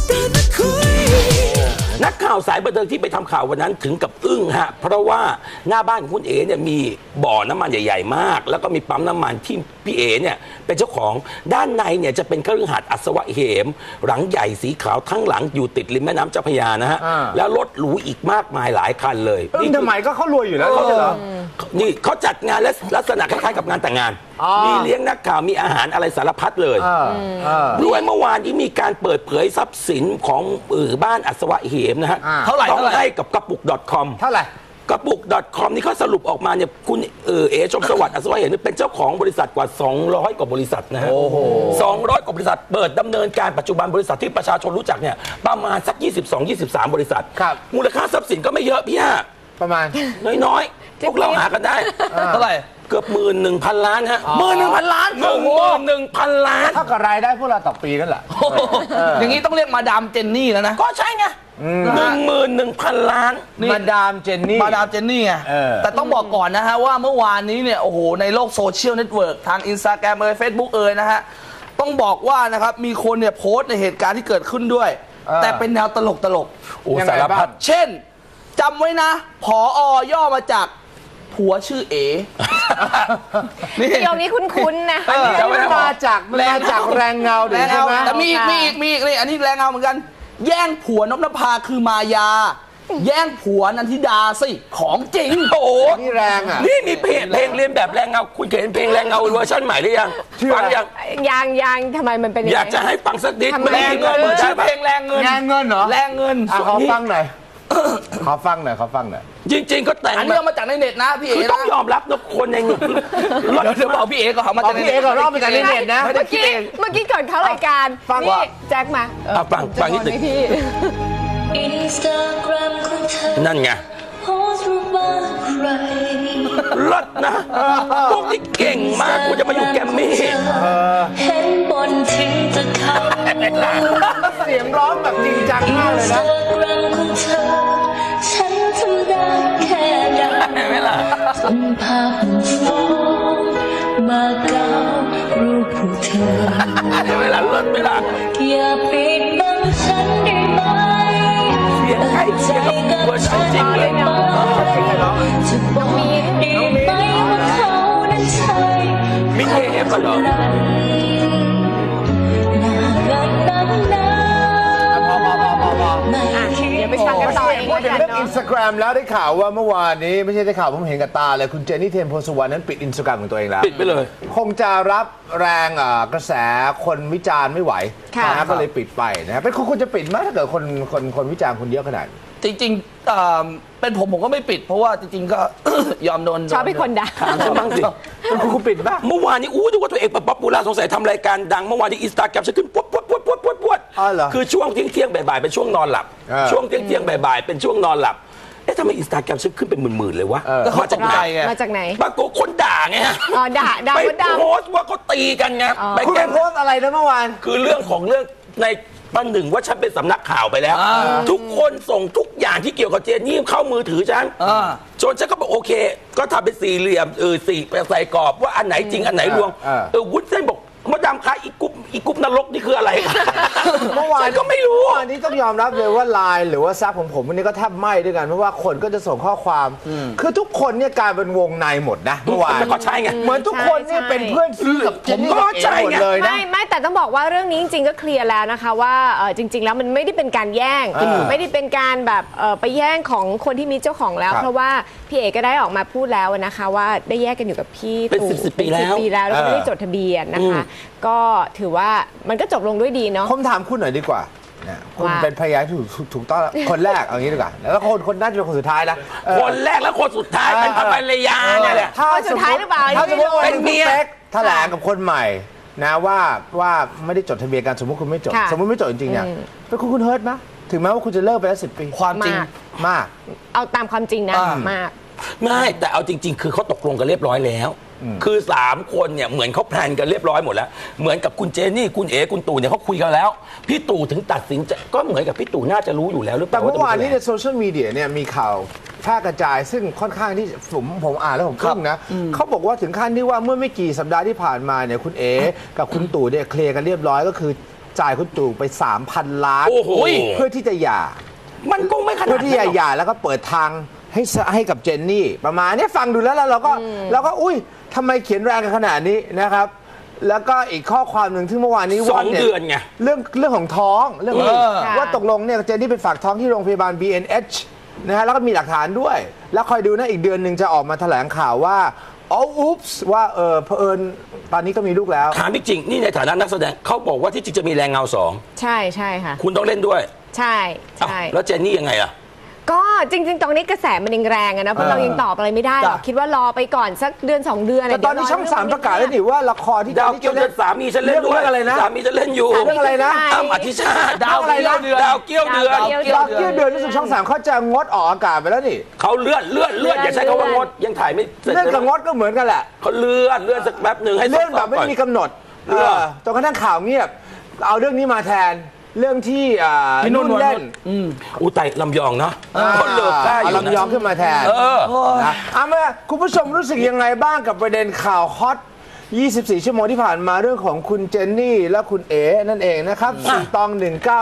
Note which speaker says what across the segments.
Speaker 1: นักข่าวสายบันเทิงที่ไปทำข่าววันนั้นถึงกับอึ้งฮะเพราะว่าหน้าบ้านของคุณเอ๋เนี่ยมีบ่อน้ำมันใหญ่ๆมากแล้วก็มีปั๊มน้ำมันที่พี่เอ๋เนี่ยเป็นเจ้าของด้านในเนี่ยจะเป็นคฤหาสน์อัศวะเหมหลังใหญ่สีขาวทั้งหลังอยู่ติดริมแม่น้ำเจ้าพระยานะฮะแล้วรถหรูอีกมากมายหลายคันเลยนี่
Speaker 2: ทำไมก็เขารวยอยู่แล้วเขาจะเหรอ
Speaker 1: นี่เขาจัดงานและลักษณะคล้ายๆกับงานแต่งงานมีเลี้ยงนักข่าวมีอาหารอะไรสารพัดเลยด้วยเมื่อวานนี้มีการเปิดเผยทรัพย์สินของบ้านอัศวะเหมนะฮะต้องให้กับกระปุก .com
Speaker 2: เท่าไหร่
Speaker 1: กระปุก .com นี่เขาสรุปออกมาเนี่ยคุณเอชมสวัสดิ์อัศวะเหมเป็นเจ้าของบริษัทกว่า200กว่าบริษัทนะฮะ200กว่าบริษัทเปิดดำเนินการปัจจุบันบริษัทที่ประชาชนรู้จักเนี่ยประมาณสัก22-23บริษัทมูลค่าทรัพย์สินก็ไม่เยอะพี่ฮะ
Speaker 2: ประมาณ
Speaker 1: น้อยๆพวกเราหากันได้
Speaker 3: เท่าไหร่
Speaker 1: เกือบ11,000 ล้านฮะ
Speaker 3: 11,000 ล้าน
Speaker 1: 11,000 ล้าน
Speaker 2: เท่ากับรายได้พวกเราต่อปีนั่นแหละ
Speaker 3: อย่างนี้ต้องเรียกมาดามเจนนี่แล้วนะ
Speaker 1: ก็ใช่ไง11,000 ล้าน
Speaker 2: มาดามเจนนี่
Speaker 3: ไงแต่ต้องบอกก่อนนะฮะว่าเมื่อวานนี้เนี่ยโอ้โหในโลกโซเชียลเน็ตเวิร์กทาง Instagram เฟซบุ๊กนะฮะต้องบอกว่านะครับมีคนเนี่ยโพสต์ในเหตุการณ์ที่เกิดขึ้นด้วยแต่เป็นแนวตลก
Speaker 1: สารพัด
Speaker 3: เช่นจำไว้นะผอย่อมาจากผัวชื่อเอ๋
Speaker 4: นี่ยงนี้คุ้นๆนะ
Speaker 2: มาจากแรงเงาใช่ไหม
Speaker 3: แต่มีอีกนี่อันนี้แรงเงาเหมือนกันแย่งผัวนพนภาคือมายาแย่งผัวนันทิดาสิของจริง
Speaker 1: โอ้โห
Speaker 2: นี่แรงอ่ะ
Speaker 1: นี่มีเพลงเรียนแบบแรงเงาคุณเคยเห็นเพลงแรงเงาเวอร์ชันใหม่หรือยังฟัง
Speaker 4: ยังทำไมมันเป็น
Speaker 1: อยากจะให้ฟังสักนิด
Speaker 3: แรงเงินชื่อเพลงแรงเงิ
Speaker 2: นเหรอ
Speaker 3: แรงเงิน
Speaker 2: ขอฟังหน่อยขอฟังหน่อย
Speaker 1: จริงๆก็แต่ง
Speaker 3: อันนี้เอามาจากในเน็ตนะพี่เอ๋
Speaker 1: ต้องยอมรับนะคนในเงิน
Speaker 3: เดี๋ยวบอกพี่เอ๋ก็เอามาจากในเน็ต
Speaker 2: รอบมาจากในเน็ตนะ
Speaker 4: เมื่อกี้ก่อนเข้ารายการนี่แจ็คมา
Speaker 1: ฟังนิดหนึ่งนั่นไงรถนะพวกที่เก่งมากกูจะมาอยู่แกมมี่
Speaker 5: เห็นบนทิ้งจะเข้า
Speaker 2: เสียงร้องแบบจริงจังมากเลยนะ
Speaker 5: ฉันทำได้แค่ได้ส่งภาพฟ้องมาเก้ารูปผู้เธอ
Speaker 1: เวลาเลิศ
Speaker 5: อย่าปิดบังฉันได้ไหม
Speaker 1: เสียงใครเสียงกับเวอร์ชันจริงเลย
Speaker 5: จะบอกได้ไหมว่าเขานั้นใช่
Speaker 1: มิเทปเหรอ
Speaker 4: ไปฟังกันต่อ
Speaker 2: พูดถึงเรื่องอินสตาแกรมแล้วได้ข่าวว่าเมื่อวานนี้ไม่ใช่ได้ข่าวผมเห็นกับตาเลยคุณเจนนี่เทียนโพสุวรรณนั้นปิดอินสตาแกรมของตัวเองแล้ว
Speaker 1: ปิดไปเลย
Speaker 2: คงจะรับแรงกระแสคนวิจารณ์ไม่ไหวนะก็เลยปิดไปนะครับเป็นคุณจะปิดไหมถ้าเกิดคนวิจารณ์คุณเยอะขนาด
Speaker 3: จริงๆเป็นผมก็ไม่ปิดเพราะว่าจริงๆก็ยอมโดน
Speaker 4: ชอบให้คนด่า
Speaker 1: บ้างสิ
Speaker 2: คุณปิดป่ะ
Speaker 1: เมื่อวานนี้ดูว่าตัวเองป๊อปปูล่าสงสัยทำรายการดังเมื่อวานนี้อินสตาแกรมฉันขึ้นปวดคือช่วงเที่ยงบ่ายเป็นช่วงนอนหลับช่วงเที่ยงบ่ายเป็นช่วงนอนหลับทำไมอินสตาแกรมฉันขึ้นเป็นหมื่นๆเลยวะ
Speaker 3: มาจากไหน
Speaker 1: ปรากฏคนด่าไงฮะ
Speaker 4: ด่า
Speaker 1: ไปโพสต์ว่าเขาตีกันไง
Speaker 2: คุณโพสต์อะไรนะเมื่อวาน
Speaker 1: คือเรื่องในวันหนึ่งว่าฉันเป็นสำนักข่าวไปแล้วทุกคนส่งทุกอย่างที่เกี่ยวกับเจนนี่เข้ามือถือฉันจนฉันก็บอกโอเคก็ทำเป็นสี่เหลี่ยมสี่ใส่กรอบว่าอันไหนจริงอันไหนลวงวุ้นเส้นบอกมดดำคะอีกุ๊บนรกนี่คืออะไร
Speaker 2: เมื่อวาน
Speaker 1: ก็ไม่รู้
Speaker 2: อันนี้ต้องยอมรับเลยว่าไลน์หรือว่าซับของผมวันนี้ก็แทบไหม้ด้วยกันเพราะว่าคนก็จะส่งข้อความคือทุกคนเนี่ยกลายเป็นวงในหมดนะเมื่อวาน
Speaker 1: ก็ใช่ไง
Speaker 2: เหมือนทุกคนเนี่ยเป็นเพื่อนซีกับ
Speaker 1: ผมก็ใช่ไง
Speaker 4: ไม่แต่ต้องบอกว่าเรื่องนี้จริงๆก็เคลียร์แล้วนะคะว่าจริงๆแล้วมันไม่ได้เป็นการแย่งไม่ได้เป็นการแบบไปแย่งของคนที่มีเจ้าของแล้วเพราะว่าพี่เอกก็ได้ออกมาพูดแล้วนะคะว่าได้แยกกันอยู่กับพี่
Speaker 1: ตู่เป็น10 ปีแล้ว
Speaker 4: แล้วก็ไม่ได้จดทะเบียนนะคะก็ถือว่ามันก็จบลงด้วยดีเนาะ
Speaker 2: ผมถามคุณหน่อยดีกว่าคุณเป็นพยานที่ถูกต้องคนแรกเอางี้ดีกว่าแล้วคนน่าจะเป็นคนสุดท้ายนะ
Speaker 1: คนแรกแล้วคนสุดท้ายเป็นภรรยาเนี่ยแหละ
Speaker 4: คนสุดท้ายหรือเปล่า
Speaker 2: ถ้าสมมติเป็นเมียแถลงกับคนใหม่นะว่าไม่ได้จดทะเบียนกันสมมติคุณไม่จดสมมติไม่จดจริงๆเนี่ยเป็นคุณเฮิร์ตไหมถึงแม้ว่าคุณจะเลิกไปแล้ว10 ปี
Speaker 3: ความจริง
Speaker 2: มาก
Speaker 4: เอาตามความจริงนะมาก
Speaker 1: ไม่แต่เอาจริงๆคือเขาตกลงกันเรียบร้อยแล้วคือ3คนเนี่ยเหมือนเขาแพลนกันเรียบร้อยหมดแล้วเหมือนกับคุณเจนี่คุณเอ๋คุณตู่เนี่ยเขาคุยกันแล้วพี่ตู่ถึงตัดสินใจก็เหมือนกับพี่ตู่น่าจะรู้อยู่แล้วหรือเปล่า
Speaker 2: แต่เมื่อวานนี้ในโซเชียลมีเดียเนี่ยมีข่าวแพร่กระจายซึ่งค่อนข้างที่ผมอ่านแล้วผมทึ่งนะเขาบอกว่าถึงขั้นที่ว่าเมื่อไม่กี่สัปดาห์ที่ผ่านมาเนี่ยคุณเอ๋กับคุณตู่เนี่ยเคลียร์กันเรียบร้อยก็คือจ่ายคุณตู่ไป 3,000 ล้าน
Speaker 1: โอ้โห
Speaker 2: เพื่อที่จะหย่า
Speaker 1: มันคงไม่ขนาด
Speaker 2: เพื่อที่จะ
Speaker 1: นั้นหรอก
Speaker 2: หย่าแล้วก็เปิดทางให้กับเจนนี่ประมาณเนี้ยฟังดูแล้วเราก็อุ้ยทำไมเขียนแรงกันขนาดนี้นะครับ แล้วก็อีกข้อความหนึ่งที่เมื่อวานนี้
Speaker 1: 2 เดือนไง
Speaker 2: เรื่องของท้องเรื่องของ
Speaker 4: ค่ะ
Speaker 2: ว่าตกลงเนี่ยเจนนี่ไปฝากท้องที่โรงพยาบาล BNH นะฮะแล้วก็มีหลักฐานด้วย แล้วคอยดูนะอีกเดือนหนึ่งจะออกมาแถลงข่าวว่าอ๋ออุ๊ปส์ว่าเผอิญตอนนี้ก็มีลูกแล้ว
Speaker 1: ถามจริงๆนี่ในฐานะนักแสดงเขาบอกว่าที่จริงจะมีแรงเงา
Speaker 4: ใช่ใช่ค่ะ
Speaker 1: 2คุณต้องเล่นด้วย
Speaker 4: ใช่
Speaker 1: อ้าว
Speaker 4: ใช่
Speaker 1: แล้วเจนนี่ยังไงล่ะ
Speaker 4: ก็จริง ๆ ตรงนี้กระแสมันยังแรงอะนะเพราะเรายังตอบอะไรไม่ได้หรอก
Speaker 2: จ้ะ
Speaker 4: คิดว่ารอไปก่อนสักเดือน 2 เดือน
Speaker 2: แต่ตอนนี้ช่อง 3 ประกาศแล้วนี่ว่าละครที่
Speaker 1: ดาว
Speaker 2: เจ
Speaker 1: เกี้ยวน
Speaker 2: นี่
Speaker 1: เดือนสามีฉันเล่นด้วย
Speaker 2: เรื่องอะไรนะ
Speaker 1: สามีฉันเล่นอยู่
Speaker 2: เรื่องอะไรนะ
Speaker 1: อ้ำอธิชาติ
Speaker 3: ดาวเกี้ยวเดือน
Speaker 1: ดาวเกี้ยวเดือน
Speaker 2: ดาวเกี้ยวเดือนรู้สึกช่อง 3เขาจะงดออกอากาศไปแล้วนี่
Speaker 1: เขาเลื่อนอย่าใช้คำว่างดยังถ่ายไม่เสร็จ
Speaker 2: เรื่องกับงดก็เหมือนกันแหละ
Speaker 1: เขาเลื่อนสักแป๊บหนึ่งให้
Speaker 2: เรื่องแบบไม่
Speaker 1: ก่อน
Speaker 2: มีกำหนด
Speaker 1: เรื่อง
Speaker 2: จนกระทั่งข่าวเงียบ เอาเรื่องนี้มาแทนเรื่องที่
Speaker 3: พี่นุ่น
Speaker 2: เล่น
Speaker 1: อูไตลำยองเนาะเขาเลิกได้อ
Speaker 2: เอา
Speaker 1: ยู่
Speaker 2: ลำยอง
Speaker 1: นะ
Speaker 2: ขึ้นมาแทน นะเอามาคุณผู้ชมรู้สึกยังไงบ้างกับประเด็นข่าวฮอต 24 ชั่วโมงที่ผ่านมาเรื่องของคุณเจนนี่และคุณเอ๋นั่นเองนะครับ4ตอง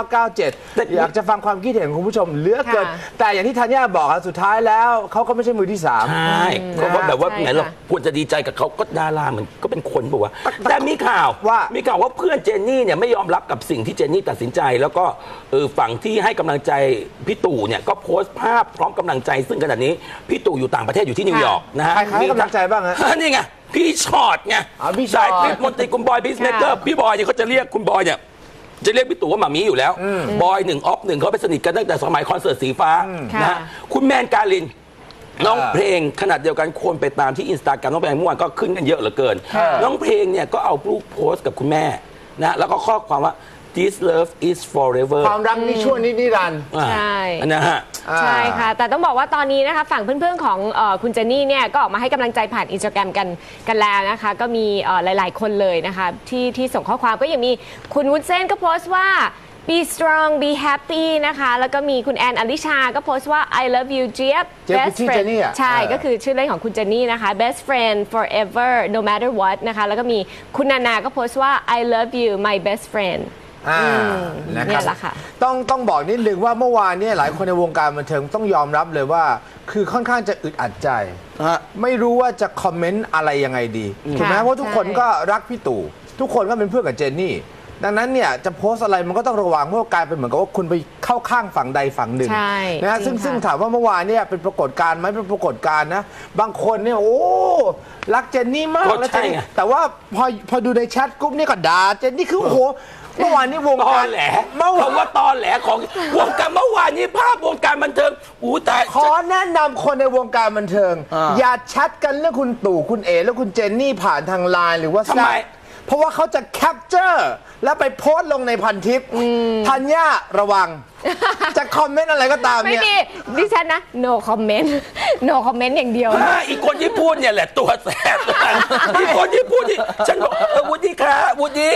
Speaker 2: 1997 อยากจะฟังความคิดเห็นของคุณผู้ชมเหลือเกิน
Speaker 4: ค่ะ
Speaker 2: แต่อย่างที่ธัญญาบอกครับสุดท้ายแล้วเขาก็ไม่ใช่มือที่ 3
Speaker 1: ใช่ก็ว่าแบบว่า
Speaker 4: ใช่
Speaker 1: ไหนเรา
Speaker 4: ค่ะ
Speaker 1: ควรจะดีใจกับเขาก็ดาราเหมือนก็เป็นคนบอกว่าแต่มีข่าว
Speaker 2: ว่า
Speaker 1: เพื่อนเจนนี่เนี่ยไม่ยอมรับกับสิ่งที่เจนนี่ตัดสินใจ แล้วก็ฝั่งที่ให้กำลังใจพี่ตู่เนี่ยก็โพสต์ภาพพร้อมกำลังใจซึ่งขณะนี้พี่ตู่อยู่ต่างประเทศอยู่ที่นิวยอร์กนะฮะ
Speaker 2: ใครให้กำลังใจบ้างฮะ
Speaker 1: นี่ไงพี่ชอตไง
Speaker 2: อ๋อพี่ชอต
Speaker 1: สายคลิปมนตรีคุณบอยพีซเมเกอร์
Speaker 4: ค่ะ
Speaker 1: พี่บอยเนี่ยเขาจะเรียกคุณบอยเนี่ยจะเรียกพี่ตู่ว่าหมามีอยู่แล้วบอย1 ออฟ 1เขาไปสนิทกันตั้งแต่สมัยคอนเสิร์ตสีฟ้านะฮะ
Speaker 4: ค่ะ
Speaker 1: คุณแมนการิน น้องเพลงขนาดเดียวกันคนไปตามที่อินสตาแกรมน้องเพลงเมื่อวานก็ขึ้นกันเยอะเหลือเกิน น้องเพลงเนี่ยก็เอารูปโพสต์กับคุณแม่นะแล้วก็ข้อความว่า this love is forever
Speaker 2: ความรักนี่ชั่วนิรันดร์
Speaker 4: ใช่
Speaker 1: นะฮะ
Speaker 4: ใช่ค่ะ แต่ต้องบอกว่าตอนนี้นะคะฝั่งเพื่อนๆของคุณเจนนี่เนี่ยก็ออกมาให้กำลังใจผ่านอินสตาแกรมกันแล้วนะคะ ก็มีหลายๆคนเลยนะคะที่ส่งข้อความก็ยังมีคุณวุ้นเส้นก็โพสต์ว่า be strong be happy นะคะ แล้วก็มีคุณแอนอลิชาก็โพสต์ว่า I love you เจี๊ยบ
Speaker 2: เจี๊ยบคือชื่อเจนนี่อะ
Speaker 4: ใช่ก็คือชื่อเล่นของคุณเจนนี่นะคะ best friend forever no matter what นะคะแล้วก็มีคุณนานาก็โพสต์ว่า I love you my best friend
Speaker 2: นะค
Speaker 4: เนี่
Speaker 2: รับ
Speaker 4: ยแหละค่ะ
Speaker 2: ต้องบอกนิดนึงว่าเมื่อวานเนี่ยหลายคนในวงการบันเทิงต้องยอมรับเลยว่า คือค่อนข้างจะอึดอัดใจ ไม่รู้ว่าจะคอมเมนต์อะไรยังไงดีถูกไหม
Speaker 4: ค่ะ
Speaker 2: เพราะทุกคน
Speaker 4: ใช่
Speaker 2: ก็รักพี่ตู่ทุกคนก็เป็นเพื่อนกับเจนนี่ ดังนั้นเนี่ยจะโพสต์อะไรมันก็ต้องระวังเพราะว่ากลายเป็นเหมือนกับว่าคุณไปเข้าข้างฝั่งใดฝั่งหนึ่ง
Speaker 4: ใช่
Speaker 2: นะฮะ
Speaker 4: จริง
Speaker 2: ซึ่ง
Speaker 4: ค่ะ
Speaker 2: ถามว่าเมื่อวานเนี่ยเป็นปรากฏการณ์ไหมเป็นปรากฏการณ์นะบางคนเนี่ยโอ้รักเจนนี่มาก
Speaker 1: ก็
Speaker 2: แล้ว
Speaker 1: ใช่
Speaker 2: เจนนี่
Speaker 1: ไง
Speaker 2: แต่ว่าพอดูในแชทกรุ๊ปนี่ก็ด่าเจนนี่คือโอ้โหเมื่อวานนี้วง
Speaker 1: ตอ
Speaker 2: การ
Speaker 1: แหล
Speaker 2: เมื่อวาน
Speaker 1: คำว่าตอแหลของวงการเมื่อวานนี้ภาพวงการบันเทิงอู้แต่
Speaker 2: ขอแนะนำคนในวงการบันเทิง อย่าแชทกันเรื่องคุณตู่คุณเอและคุณเจนนี่ผ่านทางไลน์หรือว่า
Speaker 1: ทำไม
Speaker 2: เพราะว่าเขาจะแคปเจอร์แล้วไปโพสต์ลงในพันทิปธัญญาระวัง จะคอมเมนต์อะไรก็ตาม
Speaker 4: ไม่
Speaker 2: เนี่ย
Speaker 4: มีดิฉันนะ no comment no comment อย่างเดียว
Speaker 1: อีกคนที่พูดเนี่ยแหละตัวแสบอีกคนที่พูดที่ฉันบอกวุฒิคะวุฒิ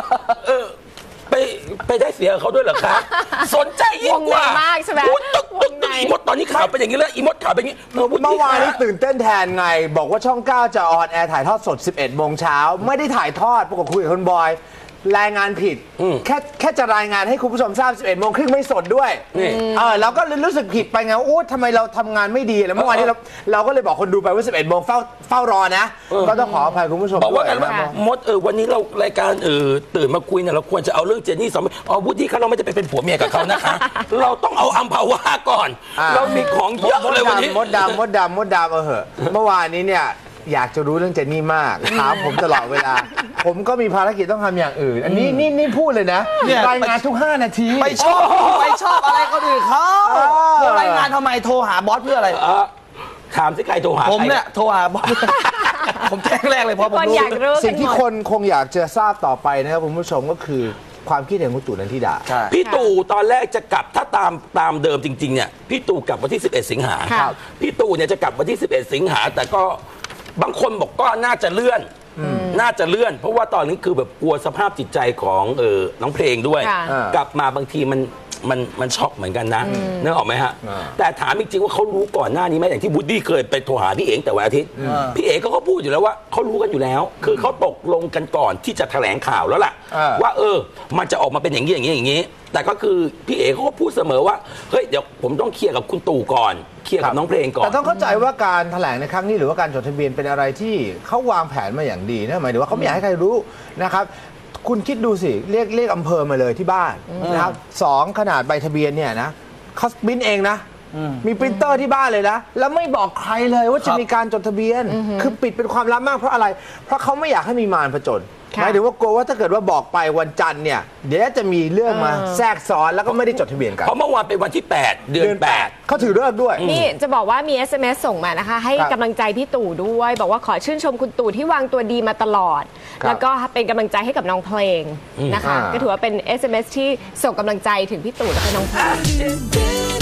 Speaker 1: ไปได้เสียเขาด้วยเหรอคะสนใจยิ่งกว่าว
Speaker 4: งในมากใช่ไหม
Speaker 1: พูดตึก
Speaker 4: วงใน
Speaker 1: อีมดตอนนี้ข่าวเป็นอย่างนี้แล้วอีมดข่าวเป็นอย่างนี้วุฒิ
Speaker 2: เมื่อวานนี้
Speaker 1: คะ
Speaker 2: ตื่นเต้นแทนไง บอกว่าช่อง 9 จะออนแอร์ถ่ายทอดสด 11 โมงเช้าไม่ได้ถ่ายทอดปรากฏคุยกับคุณบอยรายงานผิดแค่จะรายงานให้คุณผู้ชมทราบ 11 โมงครึ่งไม่สดด้วย
Speaker 1: นี่
Speaker 2: เราก็เลยรู้สึกผิดไปไงว่าโอ้ทำไมเราทำงานไม่ดีแล้วเมื่อวานนี้เราก็เลยบอกคนดูไปว่า 11 โมงเฝ้ารอนะ ก็ต้องขออภัยคุณผู้ชม
Speaker 1: บอกว่า
Speaker 2: ด้
Speaker 1: กัน
Speaker 2: ย
Speaker 1: ว่ามดวันนี้เรารายการตื่นมาคุยเนี่ยเราควรจะเอาเรื่องเจนนี่สองวุฒิคะเราไม่จะไปเป็นผัวเมียกับเขานะคะ เราต้องเอาอัมพาวาก่อน เรามีของเยอะเลยวันนี้
Speaker 2: มดดำเหอะเมื่อวานนี้เนี่ยอยากจะรู้เรื่องเจนนี่มากถามผมตลอดเวลา ผมก็มีภารกิจต้องทำอย่างอื่น อันนี้นี่พูดเลยนะ
Speaker 3: เนี่ย
Speaker 2: รายงานทุก 5 นาที
Speaker 3: ไปชอบอะไรคนอื่นเขารายงานทำไมโทรหาบอสเพื่ออะไร
Speaker 1: ถามสิใครโทรหา
Speaker 3: ผมเนี่ย
Speaker 1: ใคร
Speaker 3: โทรหาบอส ผมแจ้งแรกเลยเพราะผม
Speaker 4: คน
Speaker 3: รู้
Speaker 4: อยากรู้
Speaker 2: สิ่
Speaker 4: กั
Speaker 2: ง
Speaker 4: น
Speaker 2: ที่
Speaker 4: หม
Speaker 2: ค
Speaker 4: ด
Speaker 2: นคงอยากจะทราบต่อไปนะครับคุณผู้ชมก็คือความคิดเห็นของตู่นันทิดา
Speaker 3: ใช่
Speaker 1: พี่ตู่ตอนแรกจะกลับถ้าตามเดิมจริงๆเนี่ยพี่ตู่กลับวันที่ 11 สิงหา
Speaker 4: ครับ
Speaker 1: พี่ตู่เนี่ยจะกลับวันที่ 11 สิงหาแต่ก็บางคนบอกก็น่าจะเลื่อน น่าจะเลื่อน เพราะว่าตอนนี้คือแบบกลัวสภาพจิตใจของน้องเพลงด้วย
Speaker 4: ค่ะ
Speaker 1: กลับมาบางทีมันมันช็อกเหมือนกันนะนึกออกไหมฮะแต่ถามจริงๆว่าเขารู้ก่อนหน้านี้ไหมอย่างที่บูดดี้เคยไปโทรหาพี่เอ๋แต่วันอาทิตย์พี่เอ๋ก็พูดอยู่แล้วว่าเขารู้กันอยู่แล้ว คือเขาตกลงกันก่อนที่จะแถลงข่าวแล้วล่ะว่ามันจะออกมาเป็นอย่างนี้อย่างนี้อย่างนี้แต่ก็คือพี่เอ๋เขาก็พูดเสมอว่าเฮ้ยเดี๋ยวผมต้องเคลียร์กับคุณตู่ก่อนเคลียร์กับน้องเพลงก่อน
Speaker 2: แต่ต้องเข้าใจว่าการแถลงในครั้งนี้หรือว่าการจดทะเบียนเป็นอะไรที่เขาวางแผนมาอย่างดีนะหมายถึงว่าเขาไม่อยากให้ใครรู้นะครับคุณคิดดูสิเรียกอำเภอมาเลยที่บ้านนะครับ2ขนาดใบทะเบียนเนี่ยนะเขาปริ้นเองนะมีปรินเตอร์ที่บ้านเลยนะแล้วไม่บอกใครเลยว่าจะมีการจดทะเบียนคือปิดเป็นความลับมากเพราะอะไรเพราะเขาไม่อยากให้มีมารผจญหมายถึงว่ากลัวว่าถ้าเกิดว่าบอกไปวันจันทร์เนี่ยเดี๋ยวจะมีเรื่องมาแทรกซ้อนแล้วก็ไม่ได้จดทะเบียนกัน
Speaker 1: เพราะเมื่อวานเป็นวันที่8เดือน8
Speaker 2: เขาถือเลิกด้วย
Speaker 4: นี่จะบอกว่ามี SMS ส่งมานะคะ ให้กำลังใจพี่ตู่ด้วย บอกว่าขอชื่นชมคุณตู่ที่วางตัวดีมาตลอด แล้วก็เป็นกำลังใจให้กับน้องเพลงนะคะ ก็ถือว่าเป็น SMS ที่ส่งกำลังใจถึงพี่ตู่และก็น้องเพลง